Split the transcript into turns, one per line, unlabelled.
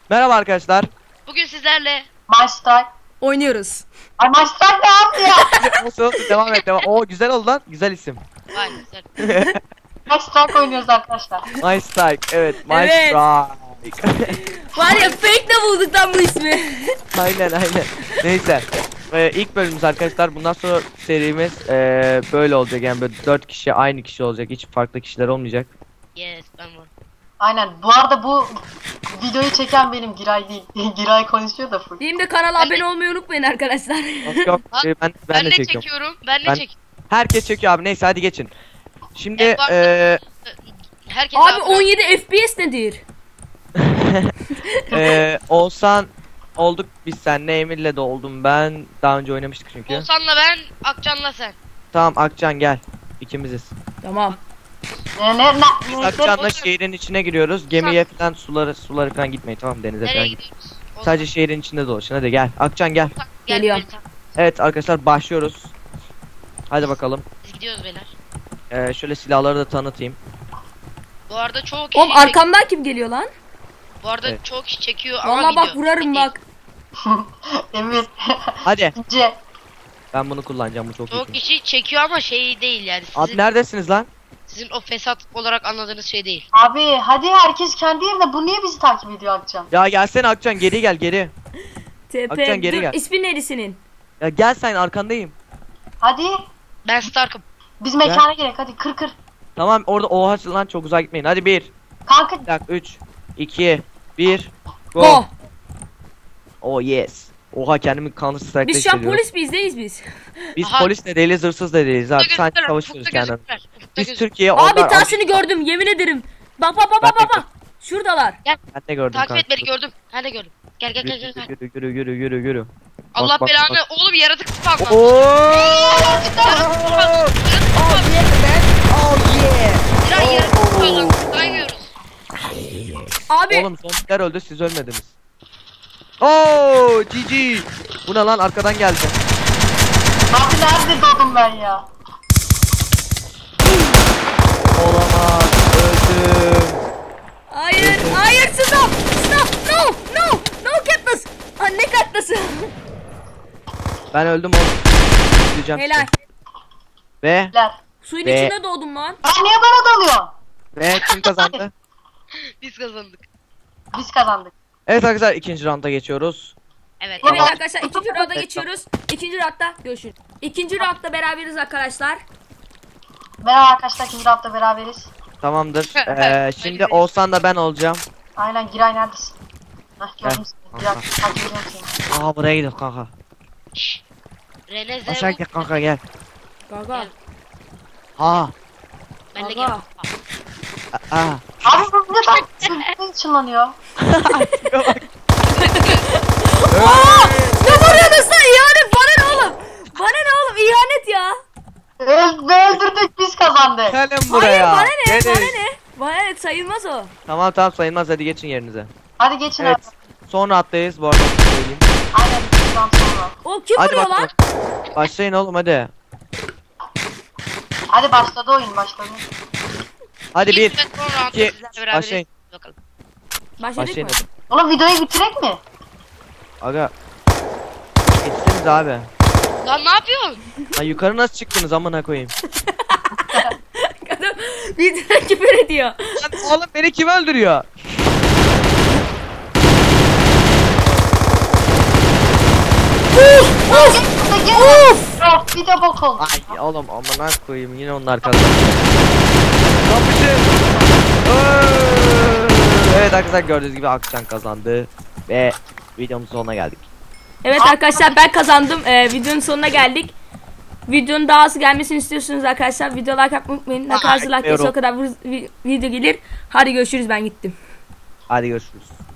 Merhaba arkadaşlar.
Bugün sizlerle
Maçlar.
Oynuyoruz.
Ay maçlar ne yaptı ya?
Olsun, devam et devam. Oo güzel oldu lan. Güzel isim.
vay güzel.
Maçlar oynuyoruz arkadaşlar.
My Strike. Evet. My
Evet.
Strike.
Var ya fake de bulduk lan bu ismi.
aynen. Neyse. İlk bölümümüz arkadaşlar. Bundan sonra serimiz böyle olacak. Yani böyle 4 kişi aynı kişi olacak. Hiç farklı kişiler olmayacak.
Yes ben varım.
Aynen. Bu arada bu videoyu çeken benim Giray değil. Giray konuşuyor da full.
Benim de kanala abone olmayı unutmayın arkadaşlar.
Yok. Ben
Ben
de
de
çekiyorum.
çekiyorum. Ben de
Ben-
çekiyorum.
Herkes çekiyor abi. Neyse hadi geçin. Şimdi
Evet, var. Herkes
Abi 17 FPS nedir?
Oğuzhan olduk biz seninle, Emir'le de oldum ben. Daha önce oynamıştık çünkü.
Oğuzhan'la ben, Akcan'la sen.
Tamam Akcan gel. İkimiziz.
Tamam.
Biz Akcan'la şehrin içine giriyoruz. Gemiye falan suları falan gitmeyin, tamam, denize falan
Nereye
git.
gidiyoruz?
Sadece şehrin içinde dolaşın, hadi gel. Akcan gel.
Gel,
Geliyorum.
beyler.
Evet arkadaşlar başlıyoruz. Hadi bakalım.
Biz gidiyoruz beyler.
Şöyle silahları da tanıtayım.
Bu arada çoğu kişi
Oğlum arkamdan kim geliyor lan?
Bu arada
Evet.
çoğu kişi çekiyor ama
Valla bak
video.
vurarım bak.
Emir.
Hadi
İnce.
ben bunu kullanacağım, bu çok
Çoğu
iyi.
kişi çekiyor ama şey değil yani.
Abi neredesiniz lan?
Sizin o fesat olarak anladığınız şey değil.
Abi hadi herkes kendi yerine. Bu niye bizi takip ediyor Akcan?
Ya gelsene Akcan, geri gel geri.
TP.
Akcan, geri
Dur
gel.
ismin neydi senin?
Ya gel, sen arkandayım.
Hadi.
Ben Stark'ım.
Biz mekana gerek. Hadi kır.
Tamam orada oha lan, çok uzağa gitmeyin. Hadi 1
Kanka.
3 2 1 go.
Go.
Oh yes. Oha, kendimi Counter Strike'da
Biz şu an
hissediyorum.
polis miyiz neyiz biz?
Biz
Aha.
polis de değiliz, hırsız da değiliz abi.
Ufukta
Sadece
gözükürler,
savaşıyoruz
ufukta
kendimiz.
gözükürler, ufukta
Biz
gözükürler.
Türkiye,
Abi
onlar
taşını gördüm yemin ederim. Bak bak bak
Ben
bak
de
bak. Şuradalar.
Ben de gördüm
Takip
kanka.
et beni gördüm. Ben de gördüm. Gel gel gel gel.
Yürü.
Allah
bak,
belanı.
bak.
Oğlum yaratık spawnlandı. Miray yaratık spawnlandı. Saymıyoruz.
Abi
Oğlum zombiler öldü, siz ölmediniz. Oo GG. Bu ne lan, arkadan geldi.
Abi nerede doğdum ben ya?
Olamaz, öldüm.
hayır stop. No Katniss. Anne Katniss.
Ben öldüm oğlum. Gideceğim
Helal.
size. Ve
Ler.
Suyun
Ve-
içinde doğdum lan.
Aa niye bana dalıyor?
kim kazandı?
Biz kazandık.
Biz kazandık.
Evet arkadaşlar, ikinci rounda geçiyoruz.
Evet.
Evet
Tamam.
arkadaşlar ikinci rounda geçiyoruz. İkinci roundda görüşürüz. İkinci roundda beraberiz arkadaşlar.
Merhaba arkadaşlar. İkinci hafta beraberiz.
Tamamdır. Şimdi
Hadi.
Oğuzhan da ben olacağım.
Aynen Giray neredesin? Hah gördüm
Gel.
seni. Giray takip ediyorum seni.
Aha, buraya gidiyor kanka.
Şşş. Rene
Aşağı
Zervo.
gel kanka, gel.
Gaga.
Ha.
Ben de
Aga.
geliyorum.
Aa.
Abi bu ne bak? Sırtın çınlanıyor.
Ne vuruyorsun sen? İhanet bana ne oğlum? Bana ne oğlum? İhanet ya.
Öldürdük biz kazandık.
Gelin
Hayır
buraya.
bana ne?
Gelin.
Bana ne? Bana ne? Sayılmaz o.
Tamam sayılmaz, hadi geçin yerinize.
Hadi geçin
Evet.
abi.
Sonra atlayız bu arada, onu söyleyeyim.
Aynen bizden sonra.
O kim
Hadi
vuruyor lan?
bakalım. Başlayın oğlum hadi.
Hadi başladı oyun başladı.
Hadi bir.
İlk ve son roundda
iki,
sizlerle beraberiz.
başlayın.
Bakalım.
Başladık
Başlayın
mı?
hadi.
Oğlum videoyu bitirek mi?
Aga. Geçsiniz abi.
Lan ne yapıyorsun?
Ha, yukarı nasıl çıktınız amına koyayım?
Kadın videoda küfür ediyor.
Lan oğlum, beni kim öldürüyor?
Gel. Of bir de bok oldu.
Ay oğlum, amına koyayım, yine onlar kazandı. Kapışın. Evet arkadaşlar, gördüğünüz gibi Akçan kazandı ve videomuzun sonuna geldik.
Evet arkadaşlar ben kazandım. Videonun sonuna geldik. Videonun daha az gelmesini istiyorsunuz arkadaşlar. Video like atmayı unutmayın. Ne kadar like gelirse o kadar video gelir. Hadi görüşürüz, ben gittim.
Hadi görüşürüz.